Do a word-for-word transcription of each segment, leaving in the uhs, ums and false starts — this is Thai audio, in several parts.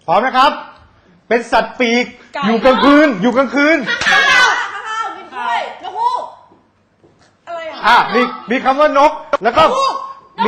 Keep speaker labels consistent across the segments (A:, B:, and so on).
A: พร้อมนะครับเป็นสัตว์ปีกอยู่กลางคืนอยู่กลางคืน
B: ข้าวข้าวบินถ้วยนกฮูกอะไรอ่ะ
A: อ่ะมีมีคำว่านกแล้วก็มี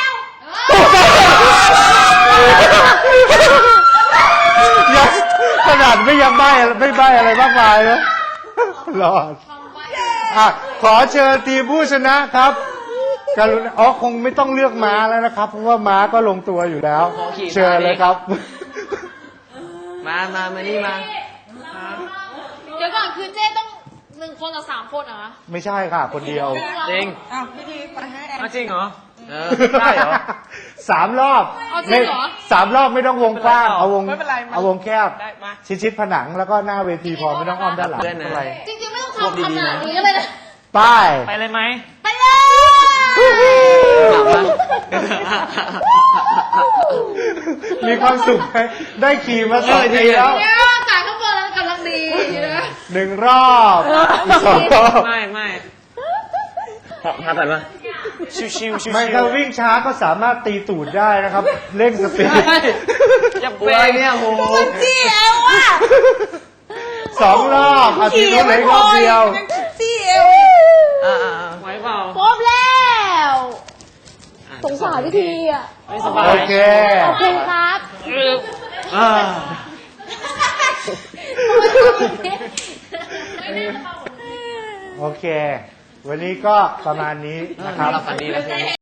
A: ยังขนาดไม่ยังใบ้ไม่ใบ้อะไรมากมายนะหลอดอ่ะขอเชิญทีมผู้ชนะครับกรุณาอ๋อคงไม่ต้องเลือกม้าแล้วนะครับเพราะว่าม้าก็ลงตัวอยู่แล้วเชิญเลยครับ
C: มามามานี่มา
D: เดี๋ยวก่อนคือเจ๊ต้องหนึ่งคนหรือสามคนเหรอ
A: ไม่ใช่ค่ะคนเดียว
C: จริง
B: อ้าวพี่ทีไปให้แอน
C: จริงเหรอเออได้เหรอ
A: สามรอบไม่สามรอบไม่ต้องวงกว้างเอาวงเอาวงแคบชิดชิดผนังแล้วก็หน้าเวทีพอไม่ต้องอ้อมด้านหลังอะไร
D: จริงๆไม่ต้องทำขนาดนี้ก็เลยนะ
A: ไป
C: ไปเลยไหม
D: ไปเลย
A: มีความสุขไหมได้ขี่มาสองทีแล้ว
D: เนี่ยจ่ายข้างบนแล้วกำลังดี
A: หนึ่งรอบสองรอบ
C: ไม่ไม่พาผ่านมาชิวชิวชิว
A: ไม่ถ้าวิ่งช้าก็สามารถตีตูดได้นะครับเร่งสปีด
C: จะเปย์เนี่ยโห
B: จี้เอวอ่ะ
A: สองรอบอาทิตย์นู้นเลยรอบเดียว
B: จี้เอว
C: อ่าไหวเปล่า
D: ครบแล้วสงสารพี่ทีอ่ะ
C: ไม่สบาย
A: โอเค
D: โอเคครับ
C: อ่า
A: โอเควันนี้ก็ประมาณนี้นะครับ